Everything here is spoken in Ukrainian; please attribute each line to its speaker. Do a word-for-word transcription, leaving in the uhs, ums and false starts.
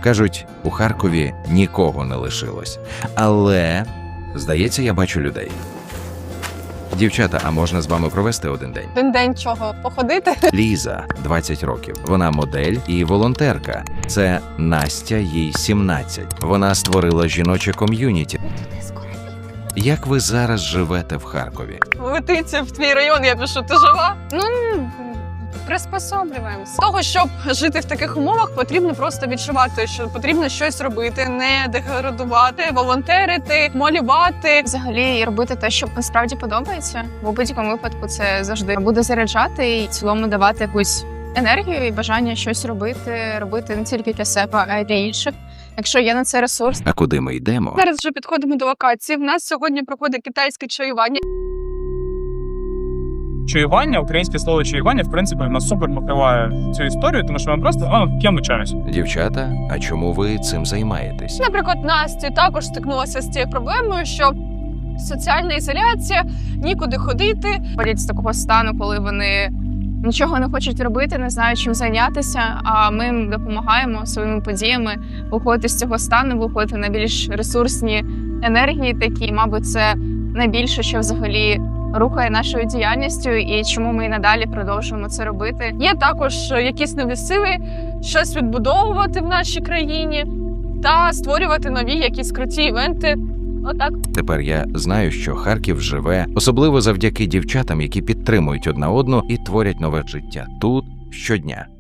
Speaker 1: Кажуть, у Харкові нікого не лишилось. Але, здається, я бачу людей. Дівчата, а можна з вами провести один день?
Speaker 2: Один день чого? Походити?
Speaker 1: Ліза, двадцять років. Вона модель і волонтерка. Це Настя, їй сімнадцять. Вона створила жіноче ком'юніті. Як ви зараз живете в Харкові?
Speaker 2: Летиться в твій район, я пишу, ти жива? Ну, приспособлюємося. З того, щоб жити в таких умовах, потрібно просто відчувати, що потрібно щось робити, не деградувати, волонтерити, малювати.
Speaker 3: Взагалі робити те, що насправді подобається. В будь-якому випадку це завжди буде заряджати і в цілому давати якусь енергію і бажання щось робити, робити не тільки для себе, а й для інших. Якщо є на це ресурс.
Speaker 1: А куди ми йдемо?
Speaker 2: Зараз вже підходимо до локації. В нас сьогодні проходить китайське чаювання.
Speaker 4: Чаювання, українське слово чаювання, в принципі, нас супер покриває цю історію, тому що ми просто а, ким чаємося.
Speaker 1: Дівчата, а чому ви цим займаєтесь?
Speaker 2: Наприклад, Настя також стикнулася з цією проблемою, що соціальна ізоляція, нікуди ходити.
Speaker 3: Ходять з такого стану, коли вони нічого не хочуть робити, не знають, чим зайнятися, а ми їм допомагаємо своїми подіями виходити з цього стану, виходити на більш ресурсні енергії такі. Мабуть, це найбільше, що взагалі рухає нашою діяльністю і чому ми і надалі продовжуємо це робити.
Speaker 2: Є також якісь нові сили, щось відбудовувати в нашій країні та створювати нові якісь круті івенти. Отак.
Speaker 1: Тепер я знаю, що Харків живе, особливо завдяки дівчатам, які підтримують одна одну і творять нове життя тут щодня.